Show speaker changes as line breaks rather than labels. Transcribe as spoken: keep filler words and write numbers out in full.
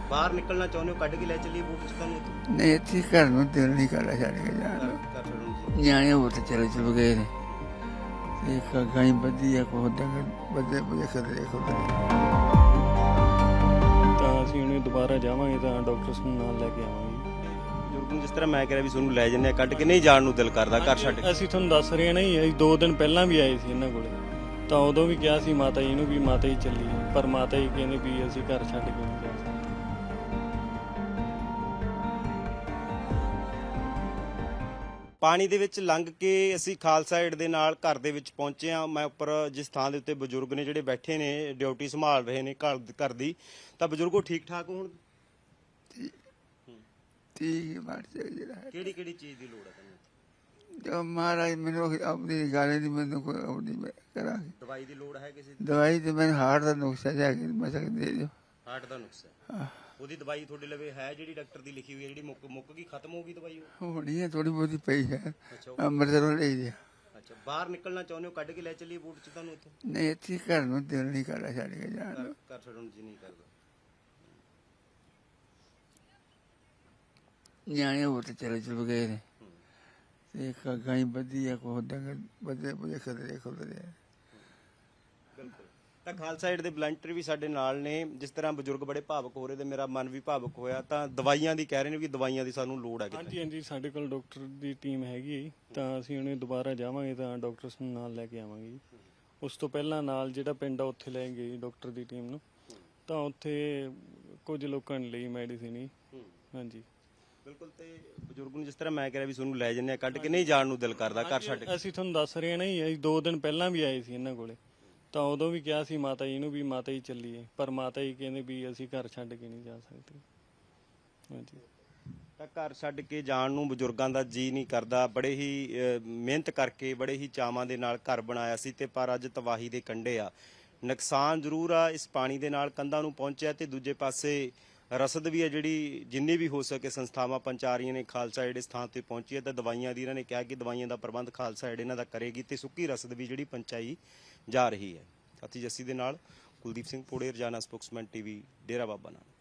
ਬਾਹਰ ਨਿਕਲਣਾ ਚਾਹੁੰਦੇ ਹੋ, ਕੱਢ ਕੇ ਲੈ ਚੱਲੀਏ ਬੂਟ ਚ ਤੁਹਾਨੂੰ?
ਨਹੀਂ ਇੱਥੇ ਘਰ ਨੂੰ ਦਿਲ ਨਹੀਂ ਕਰਦਾ ਛੱਡ ਕੇ ਜਾਣ ਨੂੰ।
ਘਰ ਛੱਡਣ ਨੂੰ
ਨਿਆਣੇ ਉਹ ਤੇ ਚਲੇ ਚੁੱਕ ਗਏ ਨੇ ਤੇ ਇੱਕ ਗਾਈ ਵਧੀਆ ਕੋ ਡੰਗਰ ਬੱਦੇ ਬੁਝੇ ਖਦਰੇ ਖਦਰੇ।
ਤਾਂ ਅਸੀਂ ਉਹਨੂੰ ਦੁਬਾਰਾ ਜਾਵਾਂਗੇ ਤਾਂ ਡਾਕਟਰ ਨੂੰ ਨਾਲ ਲੈ ਕੇ ਆਵਾਂਗੇ।
ਬਜ਼ੁਰਗ ਨੂੰ ਜਿਸ ਤਰ੍ਹਾਂ ਮੈਂ ਕਹਿ ਰਿਹਾ ਵੀ ਤੁਹਾਨੂੰ ਲੈ ਜੰਨੇ ਕੱਢ ਕੇ, ਨਹੀਂ ਜਾਣ ਨੂੰ ਦਿਲ ਕਰਦਾ ਘਰ ਛੱਡ ਕੇ?
ਅਸੀਂ ਤੁਹਾਨੂੰ ਦੱਸ ਰਹੇ ਹਾਂ ਨਾ ਜੀ, ਅਸੀਂ ਦੋ ਦਿਨ ਪਹਿਲਾਂ ਵੀ ਆਏ ਸੀ ਇਹਨਾਂ ਕੋਲੇ, ਤਾਂ ਉਦੋਂ ਵੀ ਕਿਹਾ ਸੀ ਮਾਤਾ ਜੀ ਨੂੰ ਵੀ ਮਾਤਾ ਜੀ ਚੱਲੀਏ, ਪਰ ਮਾਤਾ ਜੀ ਕਹਿੰਦੇ ਵੀ ਅਸੀਂ ਘਰ ਛੱਡ ਕੇ ਨਹੀਂ ਜਾ ਸਕਦੇ।
ਪਾਣੀ ਦੇ ਵਿੱਚ ਲੰਘ ਕੇ ਅਸੀਂ ਖਾਲਸਾ ਏਡ ਦੇ ਨਾਲ ਘਰ ਦੇ ਵਿੱਚ ਪਹੁੰਚੇ ਹਾਂ। ਮੈਂ ਉੱਪਰ ਜਿਸ ਥਾਂ ਦੇ ਉੱਤੇ ਬਜ਼ੁਰਗ ਨੇ ਜਿਹੜੇ ਬੈਠੇ ਨੇ, ਡਿਊਟੀ ਸੰਭਾਲ ਰਹੇ ਨੇ ਘਰ ਘਰ ਦੀ, ਤਾਂ ਬਜ਼ੁਰਗੋ ਠੀਕ ਠਾਕ ਹੋ ਹੁਣ?
ਠੀਕ ਬਾਤ ਜਿਹੜਾ ਹੈ
ਕਿਹੜੀ ਕਿਹੜੀ ਚੀਜ਼ ਦੀ ਲੋੜ ਹੈ ਤੁਹਾਨੂੰ?
ਜੋ ਮਹਾਰਾਜ ਮੈਨੂੰ ਆਪਣੀ ਗੱਲ ਨਹੀਂ, ਮੈਨੂੰ ਕੋਈ ਆਪਣੀ ਮੈਂ ਕਰਾਂਗੀ।
ਦਵਾਈ ਦੀ ਲੋੜ ਹੈ ਕਿਸੇ ਦੀ?
ਦਵਾਈ ਤੇ ਮੈਨੂੰ ਹਾਰਟ ਦਾ ਨੁਕਸਾ ਜਾ ਕੇ ਮੈਂ ਸਕਦੇ ਦੇ ਦਿਓ।
ਹਾਰਟ ਦਾ ਨੁਕਸਾ?
ਹਾਂ
ਉਹਦੀ ਦਵਾਈ ਤੁਹਾਡੇ ਲਵੇ ਹੈ ਜਿਹੜੀ ਡਾਕਟਰ ਦੀ ਲਿਖੀ ਹੋਈ ਹੈ, ਜਿਹੜੀ ਮੁੱਕ ਮੁੱਕ ਗਈ, ਖਤਮ ਹੋ ਗਈ ਦਵਾਈ ਉਹ?
ਹੋਣੀ ਹੈ ਥੋੜੀ ਬਹੁਤੀ ਪਈ ਹੈ,
ਅੱਛਾ
ਅੰਮ੍ਰਿਤਸਰੋਂ ਲਈ ਦੀ।
ਅੱਛਾ, ਬਾਹਰ ਨਿਕਲਣਾ ਚਾਹੁੰਦੇ ਹੋ, ਕੱਢ ਕੇ ਲੈ ਚੱਲੀਏ ਬੂਟ ਚ ਤੁਹਾਨੂੰ ਇੱਥੇ?
ਨਹੀਂ ਇੱਥੇ ਘਰ ਨੂੰ ਦਿਲ ਨਹੀਂ ਕਰਦਾ ਛੱਡ ਕੇ ਜਾਣ
ਘਰ
ਨੂੰ।
ਘਰ ਛੱਡਣ ਜੀ ਨਹੀਂ ਕਰਦਾ।
ਨਿਆਣੇ ਉਹ ਤੇ ਚਲੇ ਚੁੱਕ ਗਏ ਨੇ ਤੇ ਇੱਕ ਗਾਈ ਵਧੀਆ ਕੋ ਡੰਗਰ ਬੱਦੇ ਬੁਝੇ ਖਦਰੇ ਖਦਰੇ।
ਬਿਲਕੁਲ। ਤਾਂ ਖਾਲਸਾ ਏਡ ਦੇ ਵਲੰਟੀਅਰ ਵੀ ਸਾਡੇ ਨਾਲ ਨੇ। ਜਿਸ ਤਰ੍ਹਾਂ ਬਜ਼ੁਰਗ ਬੜੇ ਭਾਵੁਕ ਹੋ ਰਹੇ ਤੇ ਮੇਰਾ ਮਨ ਵੀ ਭਾਵੁਕ ਹੋਇਆ, ਤਾਂ ਦਵਾਈਆਂ ਦੀ ਕਹਿ ਰਹੇ ਨੇ ਵੀ ਦਵਾਈਆਂ ਦੀ ਸਾਨੂੰ ਲੋੜ ਹੈ ਕਿਤੇ।
ਹਾਂਜੀ ਹਾਂਜੀ, ਸਾਡੇ ਕੋਲ ਡਾਕਟਰ ਦੀ ਟੀਮ ਹੈਗੀ ਹੈ ਜੀ, ਤਾਂ ਅਸੀਂ ਉਹਨੂੰ ਦੁਬਾਰਾ ਜਾਵਾਂਗੇ ਤਾਂ ਡਾਕਟਰ ਨੂੰ ਨਾਲ ਲੈ ਕੇ ਆਵਾਂਗੇ ਜੀ। ਉਸ ਤੋਂ ਪਹਿਲਾਂ ਨਾਲ ਜਿਹੜਾ ਪਿੰਡ ਆ ਉੱਥੇ ਲੈ ਗਏ ਡਾਕਟਰ ਦੀ ਟੀਮ ਨੂੰ, ਤਾਂ ਉੱਥੇ ਕੁਝ ਲੋਕਾਂ ਲਈ ਮੈਡੀਸਿਨ ਹੀ। ਹਾਂਜੀ
ਬਿਲਕੁਲ। ਤੇ ਬਜ਼ੁਰਗ ਨੂੰ ਜਿਸ ਤਰ੍ਹਾਂ ਮੈਂ ਕਹਿ ਰਿਹਾ ਵੀ ਤੁਹਾਨੂੰ ਲੈ ਜੰਨੇ ਕੱਢ ਕੇ, ਨਹੀਂ ਜਾਣ ਨੂੰ ਦਿਲ ਕਰਦਾ ਘਰ ਛੱਡ ਕੇ?
ਅਸੀਂ ਤੁਹਾਨੂੰ ਦੱਸ ਰਹੇ ਹਾਂ ਨਾ ਜੀ, ਅਸੀਂ ਦੋ ਦਿਨ ਪਹਿਲਾਂ ਵੀ ਆਏ ਸੀ ਇਹਨਾਂ ਕੋਲੇ, ਤਾਂ ਉਦੋਂ ਵੀ ਕਿਹਾ ਸੀ ਮਾਤਾ ਜੀ ਨੂੰ ਵੀ ਮਾਤਾ ਜੀ ਚੱਲੀਏ, ਪਰ ਮਾਤਾ ਜੀ ਕਹਿੰਦੇ ਵੀ ਅਸੀਂ ਘਰ ਛੱਡ ਕੇ ਨਹੀਂ ਜਾ ਸਕਦੇ। ਹਾਂਜੀ।
ਤਾਂ ਘਰ ਛੱਡ ਕੇ ਜਾਣ ਨੂੰ ਬਜ਼ੁਰਗਾਂ ਦਾ ਜੀ ਨਹੀਂ ਕਰਦਾ। ਬੜੇ ਹੀ ਮਿਹਨਤ ਕਰਕੇ, ਬੜੇ ਹੀ ਚਾਵਾਂ ਦੇ ਨਾਲ ਘਰ ਬਣਾਇਆ ਸੀ, ਤੇ ਪਰ ਅੱਜ ਤਬਾਹੀ ਦੇ ਕੰਢੇ ਆ। ਨੁਕਸਾਨ ਜ਼ਰੂਰ ਆ ਇਸ ਪਾਣੀ ਦੇ ਨਾਲ ਕੰਧਾਂ ਨੂੰ ਪਹੁੰਚਿਆ, ਤੇ ਦੂਜੇ ਪਾਸੇ ਰਸਦ ਵੀ ਹੈ ਜਿਹੜੀ ਜਿੰਨੀ ਵੀ ਹੋ ਸਕੇ ਸੰਸਥਾਵਾਂ ਪਹੁੰਚਾ ਰਹੀਆਂ ਨੇ। ਖਾਲਸਾ ਏਡ ਇਸ ਥਾਂ ਤੇ ਪਹੁੰਚੀ ਹੈ, ਤਾਂ ਦਵਾਈਆਂ ਦੀ ਇਹਨਾਂ ਨੇ ਕਿਹਾ ਕਿ ਦਵਾਈਆਂ ਦਾ ਪ੍ਰਬੰਧ ਖਾਲਸਾ ਏਡ ਇਹਨਾਂ ਦਾ ਕਰੇਗੀ, ਤੇ ਸੁੱਕੀ ਰਸਦ ਵੀ ਜਿਹੜੀ ਪਹੁੰਚਾਈ ਜਾ ਰਹੀ ਹੈ। ਸਾਥੀ ਜੱਸੀ ਦੇ ਨਾਲ ਕੁਲਦੀਪ ਸਿੰਘ ਪੋੜੇ, ਰੋਜ਼ਾਨਾ ਸਪੋਕਸਮੈਨ ਟੀਵੀ, ਡੇਰਾ ਬਾਬਾ ਨਾਨਕ।